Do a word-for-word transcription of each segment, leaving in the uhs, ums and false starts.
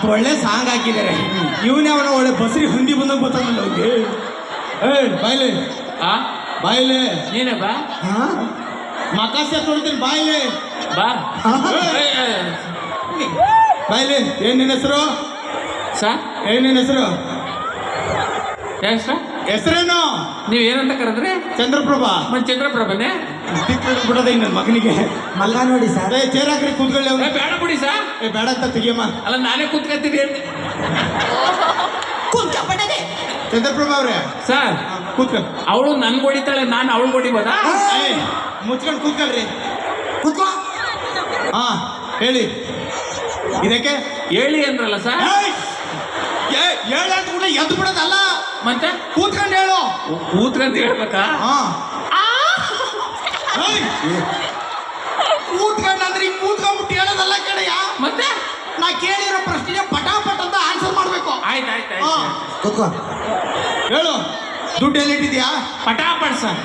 ಒಳ್ಳೆ ಸಾಂಗ್ ಹಾಕಿದ್ದಾರೆ. ಇವನೇ ಅವನ ಒಳ್ಳೆ ಬಸ್ರಿ ಹುಂದಿ ಬಂದಂಗೆ ಗೊತ್ತಾಗಲ್ಲ ಅವ್ರಿಗೆ. ಏ ಬಾಯ್ಲೆ ಆ ಬಾಯ್ಲೆ ನೀನೇ ಬಾ ಮಕಾಸೆ ತೊಡ್ತೀನಿ ಬಾಯ್ಲೆ ಬಾ ಬಾಯ್ಲೆ ಏನ್ ನಿನ್ನ ಹೆಸರು ಸಾ ಏನ್ ನಿನ್ನ ಹೆಸರು ಯಾಕೆ ಸರ್ ಹೆಸರೇನು ನೀವು ಏನಂತ ಕರೆದ್ರೆ ಚಂದ್ರಪ್ರಭಾ ಮತ್ತೆ ಚಂದ್ರಪ್ರಭನೇ ಬಿಡೋದ ನನ್ನ ಮಗನಿಗೆ ಮಲ್ಲ ನೋಡಿ ಸರ್. ಏ ಚೇರ್ ಹಾಕ್ರಿ ಕೂತ್ಕೊಳ್ಳಿ ಅವ್ನು. ಬೇಡ ಬಿಡಿ ಸಾ ಏ ಬೇಡ ಅಂತ ತೆಗಿಯಮ್ಮ. ಅಲ್ಲ ನಾನೇ ಕೂತ್ಕೊತೀನಿ ಚಂದ್ರಪ್ರಭಾ ಅವ್ರೆ ಸರ್ ಕೂತ್ಕ. ಅವಳು ನನ್ಗೆ ಹೊಡಿತಾಳೆ, ನಾನು ಅವಳು ಹೊಡಿಬೋದಾ? ಮುಚ್ಕೊಂಡು ಕೂತ್ಕೊಳ್ರಿ. ಕೂತ್ಕೋ. ಹಾ ಹೇಳಿ ಇದಕ್ಕೆ ಹೇಳಿ ಅಂದ್ರಲ್ಲ ಸರ್. ಹೇಳ ಕೂಡ ಎದ್ದು ಬಿಡೋದಲ್ಲ, ಮತ್ತೆ ಕೂತ್ಕೊಂಡು ಹೇಳು. ಕೂತ್ಕಂತ ಹೇಳ್ಬೇಕಾ? ಹಾ ಕೂತ್ಕೊಂಡು ಅಂದ್ರೆ ಈಗ ಕೂತ್ಕೊಂಡ್ಬಿಟ್ಟು ಹೇಳೋದಲ್ಲ ಕಡೆಯ. ಮತ್ತೆ ನಾ ಕೇಳಿರೋ ಪ್ರಶ್ನೆಗೆ ಪಟಾಪಟ್ ಅಂತ ಆನ್ಸರ್ ಮಾಡ್ಬೇಕು. ಆಯ್ತು ಆಯ್ತು ಹಾ ಆಯ್ತು ಕೂತ್ಕೋ. ಹೇಳು ದುಡ್ಡು ಎಲ್ಲಿಟ್ಟಿದ್ಯಾ? ಪಟಾಪಟ್ ಸರ್.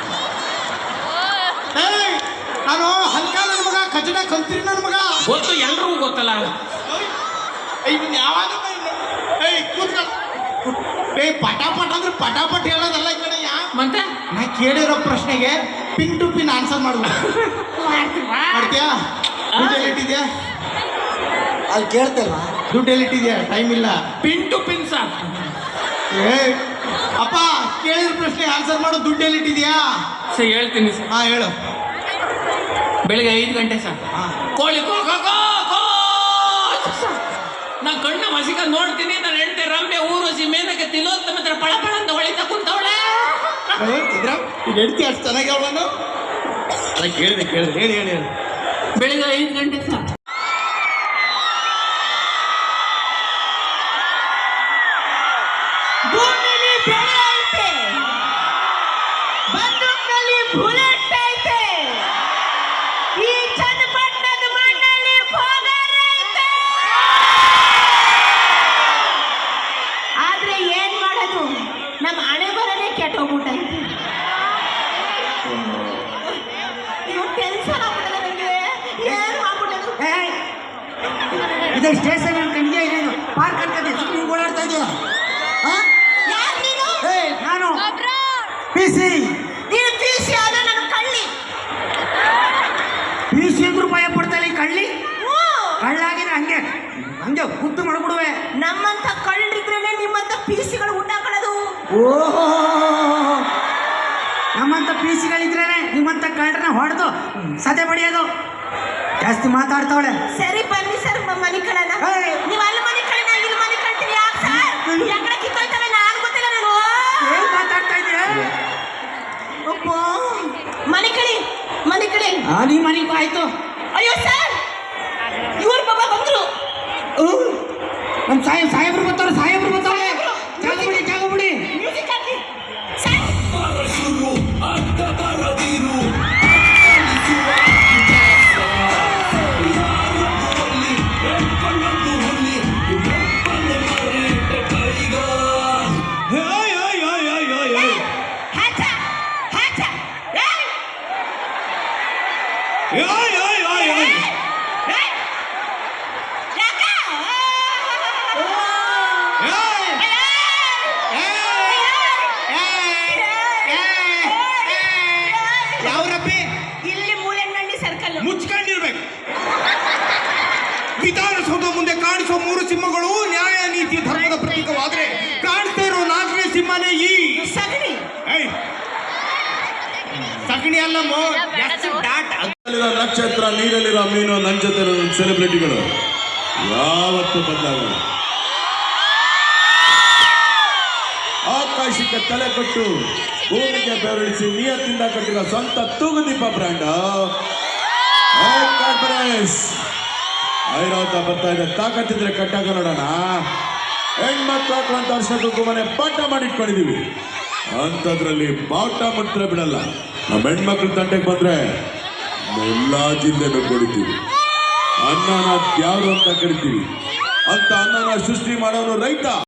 ಏಯ್ ನಾನು ಹಲ್ಕ ನನ್ನ ಮಗ, ಕಚಡ ಕಂತ್ರಿ ನನ್ನ ಮಗ. ಗೊತ್ತು, ಎಲ್ರಿಗೂ ಗೊತ್ತಲ್ಲ. ಇದನ್ನ ಯಾವಾಗ ಏಯ್ ಕೂತ್ಕೊಳ್ಳ. ಏಯ್ ಪಟಾಪಟ್ ಅಂದ್ರೆ ಪಟಾಪಟ್ ಹೇಳೋದಲ್ಲ ಈ ಕಡೆಯ. ಮತ್ತೆ ನಾ ಕೇಳಿರೋ ಪ್ರಶ್ನೆಗೆ ಪಿನ್ ಟು ಪಿನ್ ಆನ್ಸರ್ ಮಾಡ್ಬೇಕು. ಮಾಡ್ತೀಯಾ? ದುಡ್ಡು ಎಲ್ಲಿಟ್ಟಿದ್ಯಾ? ಅಲ್ಲಿ ಕೇಳ್ತೇವಾ? ದುಡ್ಡು ಎಲ್ಲಿಟ್ಟಿದ್ಯಾ? ಟೈಮ್ ಇಲ್ಲ. Pin to pin sir. ಏ ಅಪ್ಪ ಕೇಳಿದ ಪ್ರಶ್ನೆ ಆನ್ಸರ್ ಮಾಡು. ದುಡ್ಡು ಎಲ್ಲಿಟ್ಟಿದ್ಯಾ? ಸರ್ ಹೇಳ್ತೀನಿ ಸರ್. ಹಾ ಹೇಳು. ಬೆಳಿಗ್ಗೆ ಐದು ಗಂಟೆ ಸರ್. ಕೋಳಿ ಕೋ ಕೋ ಕೋ ಕೋ. ನಾನು ಕಣ್ಣ ಮಸಿಕ ನೋಡ್ತೀನಿ. ನಾನು ಹೆಂಡತಿ ರಮ್ಯ ಊರ್ವಶಿ ಮೇನಕ್ಕೆ ತಿಲೋತ್ತಮ ಹತ್ರ ಪಳ ಪಳ ಅಂತ ಹೊಳಿತಾ ಕುಂತವಳೆ. ಈಗ ಹೆಂಡ್ತಿ ಅಷ್ಟು ಚೆನ್ನಾಗಿ ಅವಳನ್ನು ಕೇಳಿದೆ ಕೇಳಿದೆ ಹೇಳಿ ಹೇಳಿ ಹೇಳಿ. ಬೆಳಿಗ್ಗೆ ಐದು ಗಂಟೆ ಸರ್. ಭೂಮಿಲಿ ಬೆಳೆ ಐತೆ, ಬಂದೂಕ್ನಲ್ಲಿ ಬುಲೆಟ್ ಐತೆ, ಈ ಚನ್ನಪಟ್ಟಣದ ಮಣ್ಣಲ್ಲಿ ಪೋಗರ್ ಐತೆ. ಆದ್ರೆ ಏನ್ ಮಾಡೋದು, ನಮ್ಮ ಹಣೆ ಬರನೇ ಕೆಟ್ಟೋಗ್ಬಿಟ್ಟೈತೆ. ಇವ್ ಟೆನ್ಷನ್ ಆಗ್ಬಿಟ್ಟದ ನನಗೆ. ಏನು ಆಗ್ಬಿಟ್ಟದು? ಇದು ಸ್ಟೇಷನ್ ಅನ್ಕೊಂಡ್ಗೆ ಇದೇನು ಪಾರ್ಕ್ ಅನ್ಕೊಂಡೆ ಸುಮ್ಮನೆ ಓಡಾಡ್ತಾ ಇದೆಯಾ? ಯಾರು ನೀನು? ಏ ನಾನು ಪಿ ಸಿ ನೀನು ಪಿ ಸಿ ಆದ್ರೆ ನನ್ನ ಕಳ್ಳಿ. ಪಿ ಸಿ ಅಂದ್ರೂ ಭಯ ಪಡ್ತಾಳೆ ಈ ಕಳ್ಳಿ. ಹ್ಞೂ. ಕಳ್ಳಾಗಿದ್ರೆ ಹಂಗೆ ಹಂಗೆ ಗುದ್ದು ಮಾಡ್ಬಿಡುವೆ. ನಮ್ಮಂತ ಕಳ್ಳರಿದ್ರೇನೆ ನಿಮ್ಮಂತ ಪಿ ಸಿಗಳು ಉಂಟಾಕೊಳ್ಳೋದು. ಓಹೋ, ನಮ್ಮಂತ ಪಿ ಸಿಗಳಿದ್ರೇನೆ ನಿಮ್ಮಂತ ಕಳ್ಳರನ್ನ ಹೊಡೆದು ಸದೆ ಬಡಿಯೋದು. ಜಾಸ್ತಿ ಮಾತಾಡ್ತಾವಳೆ. ಸರಿ ಬನ್ನಿ ಸರ್, ಮನೆ ಕಳನ. ಏಯ್. ನೀವು ಅಲ್ಲಿ ಮನೆ ಕಳನ, ಇಲ್ಲಿ ಮನೆ ಕಳ್ತೀನಿ. ಯಾಕೆ ಸರ್? ಯಾಕಡೆ ಕಿತ್ತೋಯ್ತವೆ? ನಾನು ಗೊತ್ತಿಲ್ಲ. ನಾನು ಏನ್ ಮಾತಾಡ್ತಾ ಇದೆಯಾ? ಒಬ್ಬ ಮನೆ ಕಳಿ, ಮನೆ ಕಳಿ. ಆ ನೀ ಮನೆಗೂ ಆಯ್ತು. ಅಯ್ಯೋ ಸರ್, ಇವ್ರ ಬಾಬಾ ಬಂದ್ರು. ನಮ್ಮ ಸಾಹೇಬ್ ಸಾಹೇಬ್ರು ಬರ್ತಾರ ಸಾಹೇಬ್ರು ಬರ್ತಾವೆ. ಜಾಗ ಬಿಡಿ ಜಾಗ ಬಿಡಿ. ಮ್ಯೂಸಿಕ್ ಹಾಕಿ ಸರ್. ಹ್ಯಾಚ, ಹ್ಯಾಚ. ಏಯ್! ಏಯ್! ಯಾಕ? ಯಾವ್ರಪ್ಪಿ ಇಲ್ಲಿ ಮೂಲೆಗಣ್ಣಿ ಸರ್ಕಲ್. ಮುಚ್ಕೊಂಡಿರ್ಬೇಕು. ವಿಧಾನಸೌಧ ಮುಂದೆ ಕಾಣಿಸೋ ಮೂರು ಸಿಂಹಗಳು ನ್ಯಾಯ ನೀತಿ ಧರ್ಮದ ಪ್ರತೀಕವಾದ್ರೆ ಕಾಣ್ತಾ ಇರೋ ನಾಲ್ಕನೇ ಸಿಂಹನೇ ಈ ಸಗಣಿ. ಏಯ್! ಸಗಣಿ ಅಲ್ಲಮ್ಮ, ಎಷ್ಟು ಡಾಟ್. ನಕ್ಷತ್ರ, ನೀರಲ್ಲಿರೋ ಮೀನು, ನನ್ನ ಜೊತೆ ಸೆಲೆಬ್ರಿಟಿಗಳು ಯಾವತ್ತೂ ಬದಲಾಗಲ್ಲ. ಆಕಾಶಕ್ಕೆ ತಲೆ ಕೊಟ್ಟು ಭೂಮಿಗೆ ಬೆರಳಿಸಿ ನಿಯತ್ತಿಂದ ಕಟ್ಟಿರೋ ಸ್ವಂತ ತೂಗುದೀಪ ಬ್ರ್ಯಾಂಡ್ ಐರಾವತ ಬರ್ತಾ ಇದೆ. ತಾಕತ್ತಿದ್ರೆ ಕಟ್ಟಾಗ ನೋಡೋಣ. ಹೆಣ್ಮಕ್ಳು ಹಾಕುವಂತ ವರ್ಷಕ್ಕೂ ಮನೆ ಪಾಠ ಮಾಡಿಟ್ಕೊಂಡಿದೀವಿ. ಅಂಥದ್ರಲ್ಲಿ ಬಾವುಟ ಮುಟ್ರೆ ಬಿಡಲ್ಲ. ನಮ್ಮ ಹೆಣ್ಮಕ್ಳು ತಂಟೆಗೆ ಬಂದ್ರೆ ಎಲ್ಲ ಜಿಲ್ಲೆನೂ ಕೊಡ್ತೀವಿ. ಅನ್ನನ ಯಾರು ಅಂತ ಕರಿತೀವಿ. ಅಂತ ಅನ್ನನ ಸೃಷ್ಟಿ ಮಾಡೋನು ರೈತ.